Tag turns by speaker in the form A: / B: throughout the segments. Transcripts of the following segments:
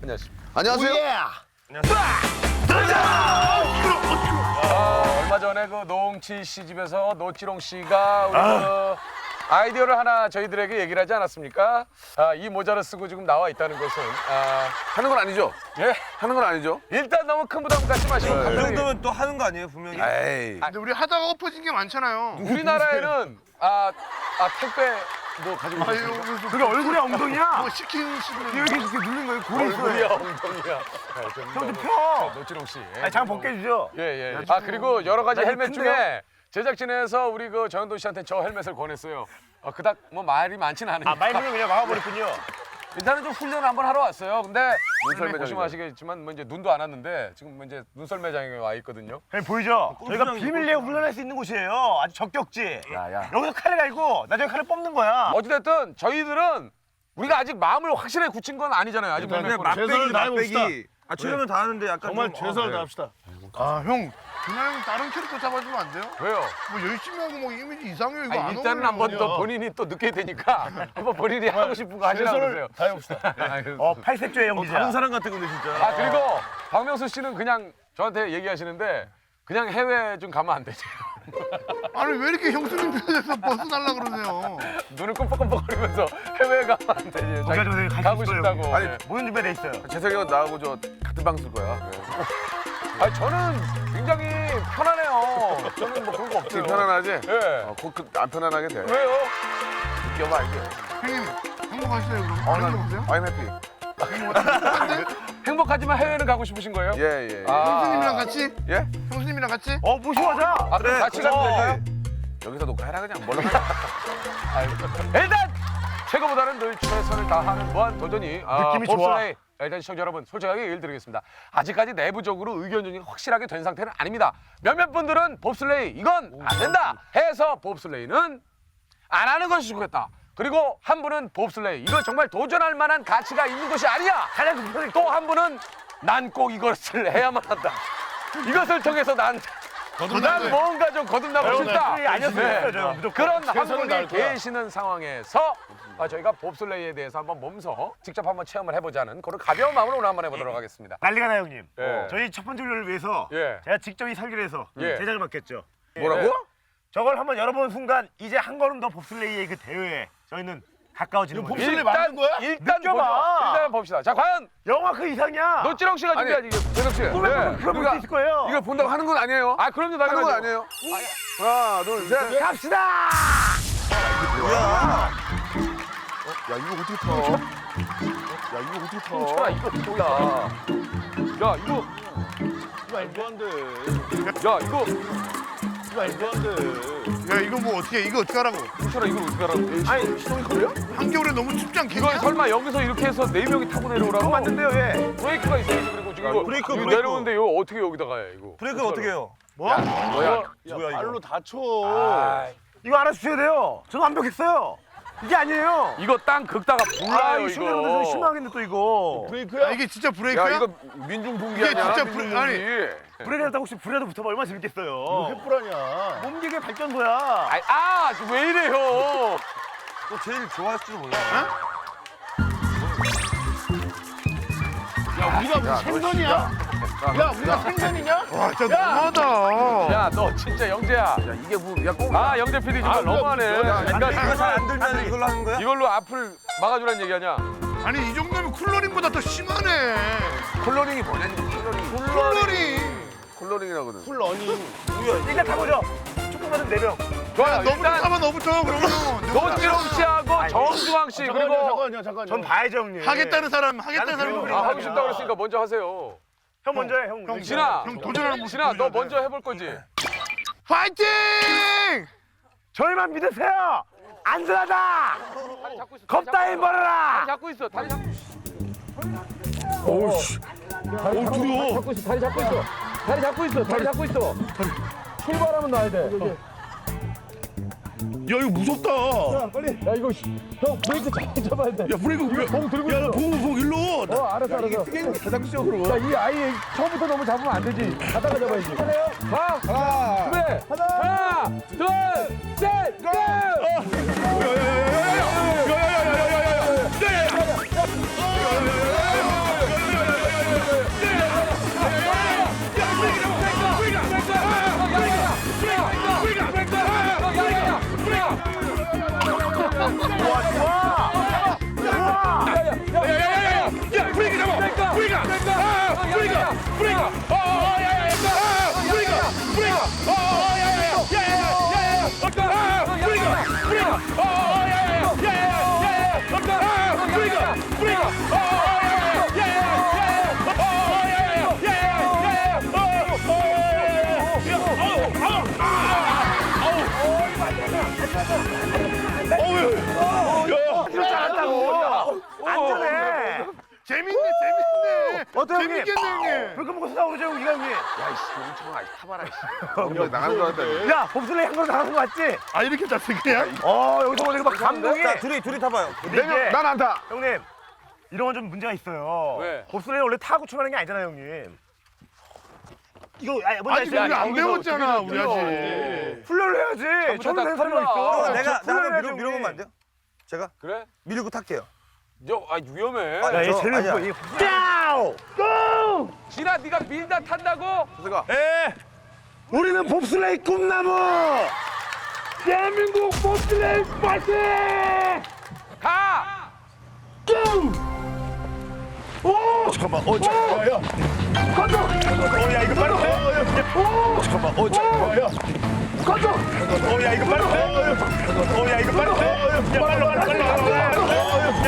A: 안녕하십니까.
B: 안녕하세요.
A: 얼마 전에 그 노홍치 씨 집에서 노찌롱 씨가 우리 그 아이디어를 하나 저희들에게 얘기를 하지 않았습니까? 이 모자를 쓰고 지금 나와 있다는 것은
B: 하는 건 아니죠?
A: 예
B: 하는 건 아니죠?
A: 일단 너무 큰 부담 갖지 마시고
C: 그
A: 감독님.
C: 정도면 또 하는 거 아니에요, 분명히?
B: 에이.
D: 근데 우리 하다가 엎어진 게 많잖아요.
A: 우리나라에는 택배도 가지고 있습니까?
D: 그게 얼굴에 엉덩이야? 뭐
E: 시킨 식으로
D: 이렇게 눌린 거예요? 고리
A: 얼굴이야 엉덩이야.
D: 좀 펴.
A: 노찌롱 씨.
D: 아니, 장 벗겨주죠.
A: 예. 그리고 여러 가지 헬멧 중에 제작진에서 우리 그 정현돈 씨한테 저 헬멧을 권했어요. 그닥 뭐 말이 많지는 않으니까.
D: 말문을 그냥 막아버렸군요.
A: 일단은 좀 훈련을 한번 하러 왔어요. 근데
B: 눈썰 매장이죠.
A: 보시면 아시겠지만 뭐 이제 눈도 안 왔는데 지금 뭐 이제 눈썰 매장에 와 있거든요.
D: 형님 보이죠? 저희가
C: 골프장이죠,
D: 비밀리에 훈련할 수 있는 곳이에요. 아주 적격지.
B: 야.
D: 여기서 칼을 갈고 나중에 칼을 뽑는 거야.
A: 어찌됐든 저희들은 우리가 아직 마음을 확실하게 굳힌 건 아니잖아요. 아직
C: 그냥
A: 몇
C: 맛배기,
E: 다해봅시다.
C: 맛배기. 최선을 다하는데 약간
E: 정말
C: 좀,
E: 최선을
C: 네.
E: 다합시다. 아, 형. 그냥 다른 캐릭터 잡아주면 안 돼요?
A: 왜요?
E: 뭐 열심히 하고 뭐 이미지 이상해요. 이거 안
A: 일단은 한번 더 본인이 또 늦게 되니까 한번 본인이 하고 싶은 거 하시라고 그러세요.
E: 다해봅시다.
D: 팔색조의 연기자.
C: 다른 사람 같은 건데 진짜.
A: 그리고 박명수 씨는 그냥 저한테 얘기하시는데 그냥 해외 좀 가면 안 되지.
E: 아니 왜 이렇게 형수님 편에서 벗어달라 그러세요?
A: 눈을 끔뻑끔뻑거리면서 해외 가면 안 되지.
D: 거기가 좀
A: 자기
D: 갈
A: 가고
D: 수 있어요,
A: 싶다고.
D: 여기.
B: 아니,
A: 네.
D: 모든 준비돼 있어요.
B: 재석이가 나하고 저 같은 방 쓸 거야.
A: 저는 굉장히 편하네요. 저는 뭐 그런 거 없어요.
B: 편안하지?
A: 예.
B: 안 편안하게 돼.
A: 왜요?
B: 웃겨봐 이게.
E: 형님 행복하시나요 그럼? 다른 게 없어요?
B: I'm happy.
A: 행복하지만 해외는 가고 싶으신 거예요?
B: 예.
E: 형수님이랑 같이?
B: 예?
E: 형수님이랑 같이?
D: 모시고 하자.
A: 그럼 같이 가면 될까요?
B: 여기서 녹화해라 그냥 뭘로.
A: 일단 최고보다는 늘 최선을 다하는 무한 도전이
D: 느낌이 좋아.
A: 봅슬레이. 일단 시청자 여러분 솔직하게 얘기를 드리겠습니다. 아직까지 내부적으로 의견 조정이 확실하게 된 상태는 아닙니다. 몇몇 분들은 봅슬레이 이건 안 된다 해서 봅슬레이는 안 하는 것이 좋겠다. 그리고 한 분은 봅슬레이 이거 정말 도전할 만한 가치가 있는 것이 아니야. 또 한 분은 난 꼭 이것을 해야만 한다. 이것을 통해서 난 뭔가 좀 거듭나고 싶다.
D: 아니었어요. 저 무조건.
A: 그런 한
E: 최선을
A: 분이
E: 다할 거야.
A: 계시는 상황에서 저희가 봅슬레이에 대해서 한번 몸소 직접 한번 체험을 해보자는 그런 가벼운 마음으로 오늘 한번 해보도록 하겠습니다.
D: 난리가 나요, 형님.
A: 예.
D: 저희 첫 번째 훈련을 위해서
A: 예.
D: 제가 직접 이 설계를 해서
A: 예.
D: 제작을 맡겼죠.
B: 뭐라고?
D: 저걸 한번 열어보는 순간 이제 한 걸음 더 봅슬레이의 그 대회에 저희는 가까워지는 거예요.
E: 봅슬레이 맞는 거야?
A: 일단
D: 느껴봐.
A: 보죠. 일단 봅시다. 자, 과연
D: 영화 그 이상이야.
A: 노찌롱 씨가
B: 아니,
A: 준비하지 이게.
B: 재석 씨.
D: 그럼 볼 수 있을 거예요.
B: 이걸 본다고 하는 건 아니에요.
A: 그럼요,
B: 하는 건
A: 당연하죠.
B: 아니에요. 하나, 둘, 셋.
D: 갑시다.
B: 야 이거 어떻게 타? 야 이거 어떻게 타?
A: 야, 이거 뭐야? 야, 이거
E: 말도 안 돼.
A: 야, 이거
E: 말도 안 돼. 야 이거 뭐 어떻게 이거 어떻게 하라고?
A: 홍철아 이걸 어떻게 하라고?
D: 아니 시동이 걸려?
E: 한겨울에 너무 춥지 않겠냐?
A: 이걸 설마 여기서 이렇게 해서 4명이 타고 내려오라고?
D: 맞는데요, 예.
A: 브레이크가 있어야지. 그리고 지금 이거
C: 브레이크,
A: 이거
C: 브레이크.
A: 내려오는데 이거 어떻게 여기다 가요, 이거?
C: 브레이크는 어떻게 해요?
E: 뭐?
A: 뭐야?
E: 발로 다쳐.
D: 이거 알아주셔야 돼요. 저도 완벽했어요. 이게 아니에요.
A: 이거 땅 긁다가 불나요,
D: 이 시청자분들 좀
A: 이거.
D: 실망하겠네 또 이거.
E: 브레이크야? 이게 진짜 브레이크야?
B: 야 이거 민중분기
E: 이게
B: 아니야?
E: 진짜
B: 민중분기.
D: 브레이크 했다고 혹시 불에도 붙어봐 얼마나 재밌겠어요.
E: 횃불 아니야.
D: 몸기계 발전소야.
A: 왜 이래요?
C: 또 제일 좋아했을지도 몰라.
E: 야 우리가 무슨 생선이야? 야 우리가 생선이냐? 와 진짜 너무하다.
A: 야, 너 진짜 영재야.
B: 야 이게 꼭.
A: 영재 PD 정말 너무하네.
C: 이거
A: 그러니까
C: 잘안 들면 이걸로 하는 거야?
A: 이걸로 앞을 막아주라는 얘기 아니야?
E: 아니 이 정도면 쿨러링보다 더 심하네.
B: 콜로링이 뭐냐니? 콜로링.
E: 쿨러링.
B: 콜로링이라거든.
E: 쿨러닝.
D: 일단 타보죠. 축구받은 4명.
A: 좋아요.
E: 너부터
A: 일단
E: 타봐 너부터 그러면.
A: 노지롱 씨하고 정주왕 씨 그리고
E: 잠깐만요.
D: 전 봐야죠, 형님.
E: 하겠다는 사람 하겠다는
D: 나는
E: 사람.
D: 그래도
A: 하고 싶다 그랬으니까 먼저 하세요.
D: 형 먼저 해, 형.
A: 진아,
E: 형 도전하는 모습
A: 진아, 너
E: 보여줘야 돼.
A: 먼저 해볼 거지?
E: 파이팅!
D: 저희만 믿으세요. 안전하다.
A: 다리 잡고 있어.
D: 겁다인 벌어라.
A: 다리 잡고 있어. 다리 잡고 있어.
E: 오우씨. 오 두려워.
A: 잡고 있어. 다리 잡고 있어. 다리 잡고 있어. 다리 잡고 있어. 출발하면 나야 돼.
E: 야 이거 무섭다.
A: 야 이거 형 브레이크 잘 잡아야 돼.
E: 야 브레이크
A: 봉 들고
E: 야
A: 있어.
E: 봉 일로.
A: 알았어.
B: 가상적으로.
A: 야, 이 아이 처음부터 너무 잡으면 안 되지. 가다가 잡아야지. 하나, 준비. 하나, 둘, 셋, 고!
D: 안전해.
E: 재밌네 재밌네.
D: 어때요, 형님?
E: 재밌겠네 형님.
D: 불금 먹고 싸우죠 형님. 형님.
A: 야이씨 용청 아이 타봐라.
B: 형 나가는 거 같다.
D: 야 봅슬레이 한 거로 나가는 거 맞지?
E: 아 이렇게 잤어 그냥?
D: 여기서 보니까 막 감동이.
C: 자, 둘이 타봐요.
D: 근데 이제
B: 난안 타.
D: 형님 이런 건 좀 문제가 있어요.
A: 왜?
D: 봅슬레이 원래 타고 출발하는 게 아니잖아요 형님. 이거 뭔지
E: 아직
D: 알죠?
E: 우리 안 배웠잖아 우리 아직.
D: 훈련을 해야지. 처음 된 사람이 있어.
C: 내가
D: 훈련을 해야지,
C: 한번 밀어보면 안
D: 형님.
C: 돼요? 제가
A: 그래?
C: 밀고 탈게요.
A: 위험해.
C: 아,
D: 야, 얘
C: 저-
D: 제일
C: 아니야.
D: 예뻐. 고! 고!
A: 진아 네가 밀다 탄다고?
D: 예. 우리는 봅슬레이 꿈나무. 대한민국 봅슬레이 파이팅!
A: 가!
D: 오! 잠깐만. 잠깐만. 야. 건조. 야, 이거 빨리 돼. 오! 잠깐만. 잠깐만. 야. 건조. 야, 이거 빨리 돼. 야, 이거 빨리 돼. 야, 빨리.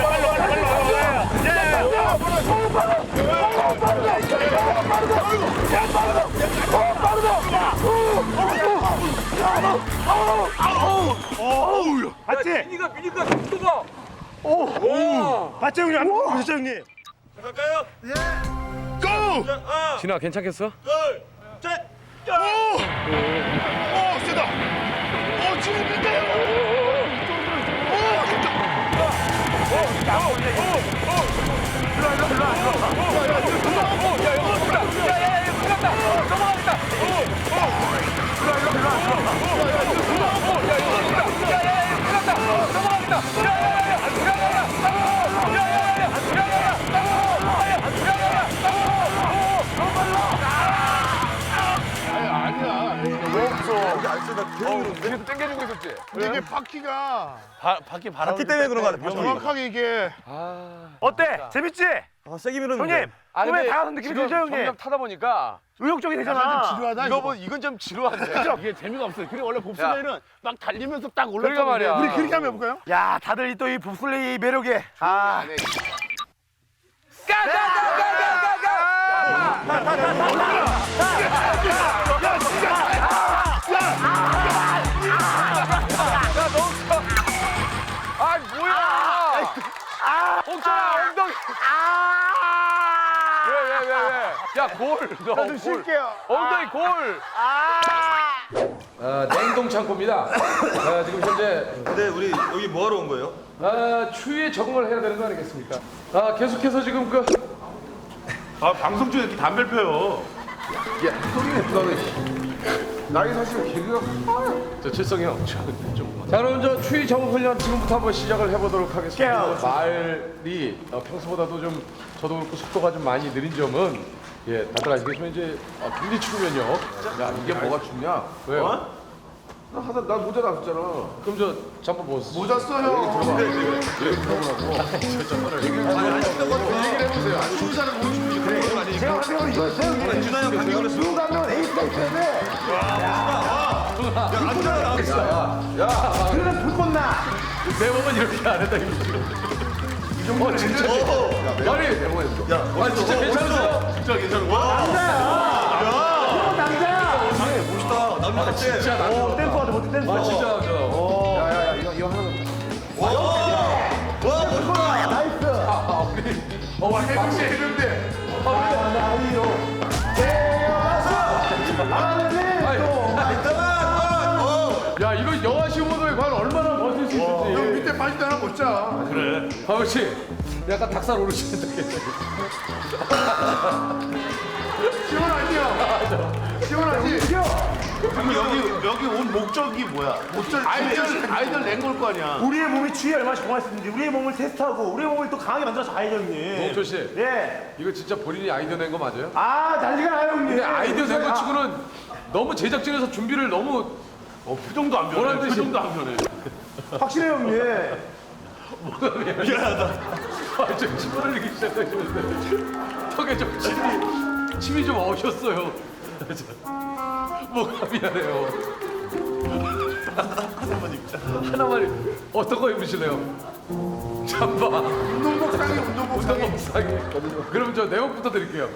D: 맞지?
A: 네가 미니까 속도가.
D: 맞죠 형님? 안 보셨죠 형님?
A: 진아 괜찮겠어?
E: 오 세다. 오 지금인가요? 아니야.
B: 여기 안 쓰다 계속
A: 계속 당겨주고 있었지?
E: 근데 이게 바퀴가
C: 바퀴 때문에 그런 거 같아.
E: 정확하게 이게
D: 어때? 재밌지?
C: 세게 밀었는데.
D: 형님 꿈에 다가는 느낌이 들죠 형님?
A: 점점 타다 보니까
D: 의욕적이
E: 좀
D: 되잖아.
E: 지루하다.
A: 이건 좀 지루한데.
E: 이게 재미가 없어요. 그리고 원래 봅슬레이는 막 달리면서 딱 올라가는
A: 그러니까 말이야.
E: 우리 그렇게 한번 해볼까요?
D: 야 다들 또 이 봅슬레이 매력에
A: 아 뭐야? 옥천아 엉덩이. 왜? 야 골. 나좀
E: 쉴게요.
A: 엉덩이 골. 냉동 창고입니다. 지금 현재
C: 근데 우리 여기 뭐하러 온 거예요?
A: 추위에 적응을 해야 되는 거 아니겠습니까? 계속해서 지금
E: 방송 중에 이렇게 담배를 펴요.
B: 나이 사실 개그가
A: 저 칠성이 형. 자 그럼 저 추위 적응 훈련 지금부터 한번 시작을 해보도록 하겠습니다. 말이 평소보다도 좀 저도 그렇고 속도가 좀 많이 느린 점은 다들 아시겠지만 이제 굉장히 추우면요. 야 이게 뭐가 춥냐? 왜요?
B: 나 모자 놨었잖아.
A: 그럼 저 잠깐 벗으세요.
E: 모자 써요.
C: 준하 형 감기 걸렸어.
A: 내 몸은 이렇게 안 했다 이거 지금. 진짜. 아니 진짜 괜찮으세요?
E: 진짜 괜찮은 거야?
C: 남자 때.
A: 진짜 나.
D: 댄스 하자 멋진 댄스.
A: 진짜 저.
B: 야야야 이거 하나.
E: 와 해병대 해병대.
A: 야 이거 영화 시험으로 과연 얼마나 버틸 수 있을지.
E: 형 밑에 바지도 하나 벗자. 그래.
A: 하우 씨, 약간 닭살 오르시는데.
E: 시원하지요? 시원하지? 그럼 여기 온 목적이 뭐야? 아이들 낸 걸 거 아니야.
D: 우리의 몸이 추위에 얼마나 적응했는지 우리의 몸을 테스트하고 우리의 몸을 또 강하게 만들어서 가야죠 형님.
A: 홍철 씨,
D: 예.
A: 이거 진짜 본인이 아이디어 낸 거 맞아요?
D: 난리가 나요 형님.
A: 근데 아이디어 낸 거 치고는 너무 제작진에서 준비를 너무
E: 표정도 안
A: 뭐라는
E: 변해.
A: 뜻이야?
E: 표정도 안 변해.
D: 확실해요 형님.
A: 좀 침을 흘리기 시작하시는데 턱에 좀 침이 좀 어셨어요. 뭐가 미안해요. 하나만 어떤 거 입으실래요? 잠바.
E: 운동복 상의 운동복 상의.
A: 운동복 사기. 그럼 저 내복부터 드릴게요.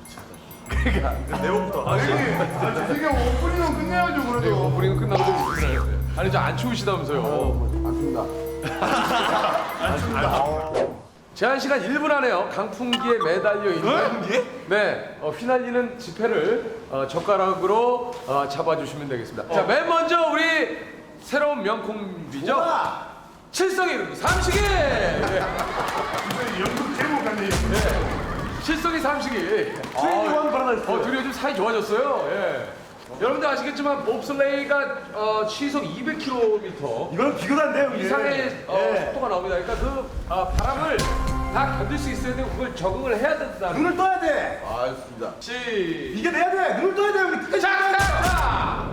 C: 내복부터.
E: 이게 오프닝은 끝내야죠 그래도.
A: 오프닝 끝나고 좀 있으세요. 아니 저 안 추우시다면서요.
E: 안 춥니다.
A: 제한 시간 1분 안에요. 강풍기에 매달려 있는 네 휘날리는 지폐를 젓가락으로 잡아주시면 되겠습니다. 자, 맨 먼저 우리 새로운 명콤비죠. 칠성이 이름 삼식이.
E: 연극 제목 같네.
A: 칠성이 삼식이. 둘이 요즘 사이 좋아졌어요. 예. 여러분들 아시겠지만 봅슬레이가 시속 200km
D: 이건 비교도 안 돼요,
A: 이상의 속도가 나옵니다. 그러니까 그 바람을 다 견딜 수 있어야 되고 그걸 적응을 해야 된다는.
D: 눈을 떠야 돼.
E: 알겠습니다.
D: 이게 내야 돼. 눈을 떠야 돼, 형님. 끝까지 가야 돼.
A: 자!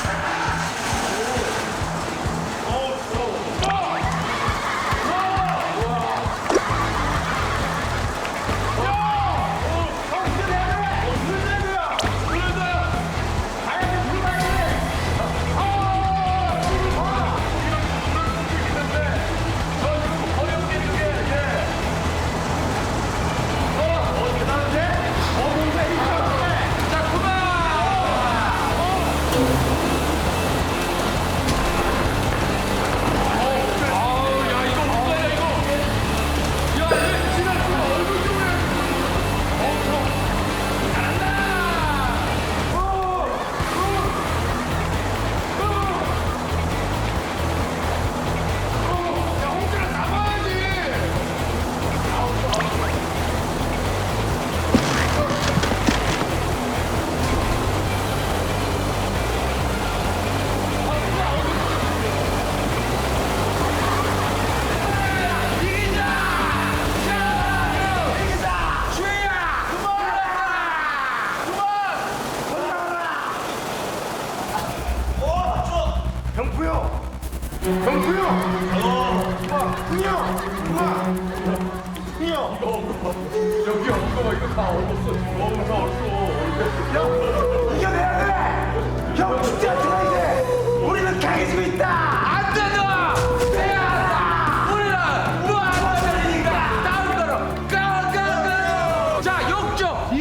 A: 여기 없어 이거 다 얼었어. 다 얼었어.
D: 이겨내야 돼. 형, 죽지 않잖아, 이제. 우리는 강해지고 있다.
A: 안 된다! 해야 한다! 우리는 무한 달리니까 다음 거로 가가가! 자, 역적!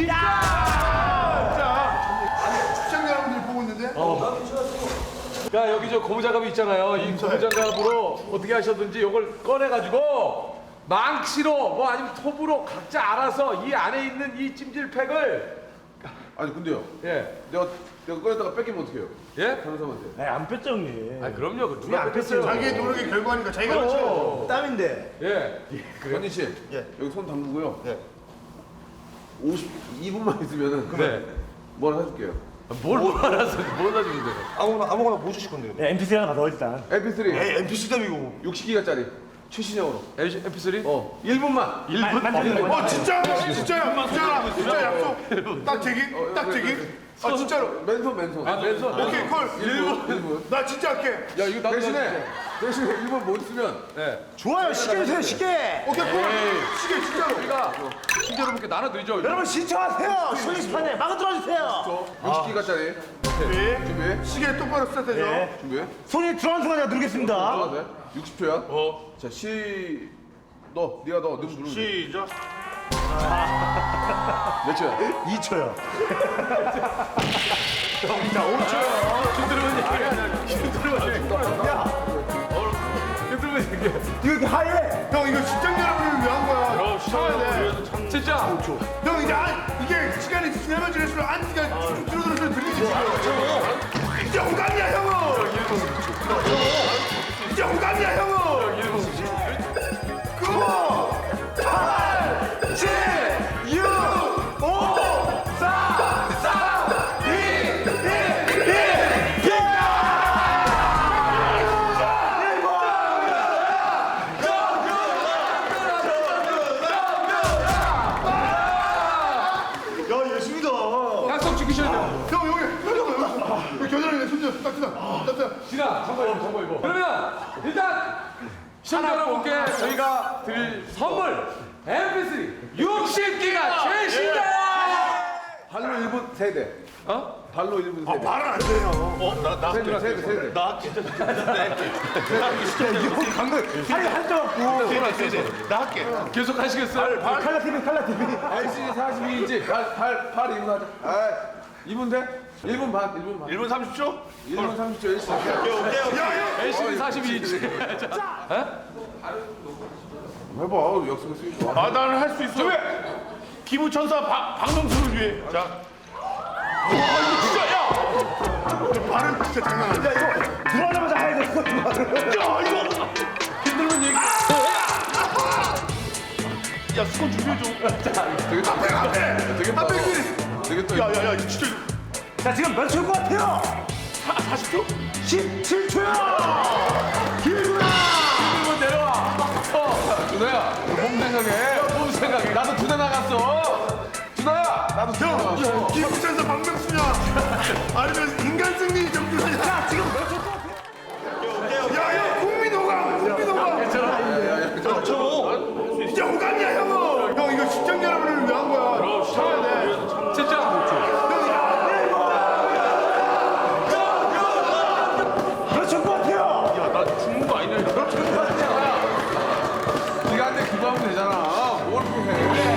E: 시청자 여러분들이 보고 있는데.
A: 야, 여기 저 고무장갑이 있잖아요. 이 고무장갑으로 어떻게 하셨든지 이걸 꺼내가지고 망치로 뭐 아니면 톱으로 각자 알아서 이 안에 있는 이 찜질팩을
B: 아니 근데요.
A: 예.
B: 내가 꺼냈다가 뺏기면 어떡해요?
A: 예?
B: 변호사한테.
D: 안 뺐죠, 형님.
A: 아, 그럼요. 그 누가
D: 안
A: 뺐어요?
E: 자기의 노력의 결과니까 자기가 그렇죠.
D: 땀인데.
A: 예.
B: 건진 씨.
D: 예.
B: 여기 손 담그고요.
D: 예.
B: 52분만 있으면은
A: 네.
B: 뭐 하나 해줄게요.
A: 뭘 알아서 뭘 사주는데?
C: 아무거나 뭐 주실 건데요?
D: 네, MP3 하나 가져와, 일단.
B: MP3
C: NPC답이고.
B: 60기가짜리 최신형으로.
A: MP3?
B: 1분만.
E: 1분? 진짜? 진짜 약속. 딱 제기? 딱 제기? 아 진짜로?
B: 맨손.
A: 아, 맨손.
E: 오케이 콜.
B: 1분.
E: 나 진짜 할게.
A: 야, 이거 나도
B: 대신에 1분 못 쓰면
A: 네.
D: 좋아요, 시계 주세요, 시계.
E: 오케이 콜. 시계 진짜로.
A: 우리가 시청자 여러분께 나눠드리죠.
D: 여러분, 신청하세요. 쇼리스판에 막아 들어주세요.
B: 60기가짜리. 준비.
E: 시계 똑바로 스타트해줘.
D: 네.
B: 준비.
D: 손이 들어가는 순간 제가 누르겠습니다.
B: 들어가세요. 60초야. 자, 네가 넣어. 누르면 돼.
E: 시작.
B: 몇 초야?
D: 2초요. 이거 이렇게 하얘.
E: 형 이거 시청자 여러분을 위한 거야. 참아야 돼.
A: 진짜.
E: 형 이제 이게 시간이 지나면 지날수록 안티가 쭉쭉 줄어들어서 들리지 지금. 이제 호감이야 형은. 이제 호감이야 형은. 9, 8, 7, 6, 5, 4, 3, 2, 1, 1.
D: 야, 예술이다.
A: 약속 지키셔야 돼요.
E: 형 여기 겨드랑이에 손좀 딱 지나.
A: 지나, 잠깐 이거. 그러면 일단 시청자 여러분께 저희가 드릴 선물 MP3 60기가 최신작!
B: 발로 1분 세대. 발로 1분 세대.
E: 말은 안 돼요.
B: 세대.
E: 나 진짜 이거 방금 살이 한점 없고. 나 할게.
A: 계속 하시겠어요?
E: 칼라 TV.
B: LCD 42인치. 팔 2분 하자. 2분 돼? 1분 반.
E: 1분 30초?
B: 1분 30초 LCD.
E: 야,
A: LCD 42인치.
B: 해봐. 역습을 쓰고.
E: 아, 나는 할 수 있어. 기부천사 박명수를 위해. 자. 이거 진짜, 야! 발은 진짜 장난 아니야. 야, 이거 들어가자마자 해야 돼. 야, 이거!
A: 힘들면 얘기.
E: 야, 수건 준비해줘.
B: 되겠다. 되겠다. 되겠다.
E: 야, 이거 진짜.
D: 자, 지금 몇 초일 것 같아요?
E: 40초?
D: 17초야!
A: 힘들면 내려와. 준호야, 몸 생각해. 몸 생각해. 나도 두 대 나갔어. 준호야, 나도 두 대 나갔어.
E: 기부천사 박명수냐? 아니면 인간 승리 정준하냐? 자, 지금 몇 초일 것 같아요? 야, 국민 호감! 진짜 호감이야, 형은! 형, 이거 시청자 여러분을 위한 거야. 쳐야 돼.
A: 진짜.
D: 몇 초일 것 같아요?
B: 네가 한테 기부하면 되잖아. 뭘 그렇게 해.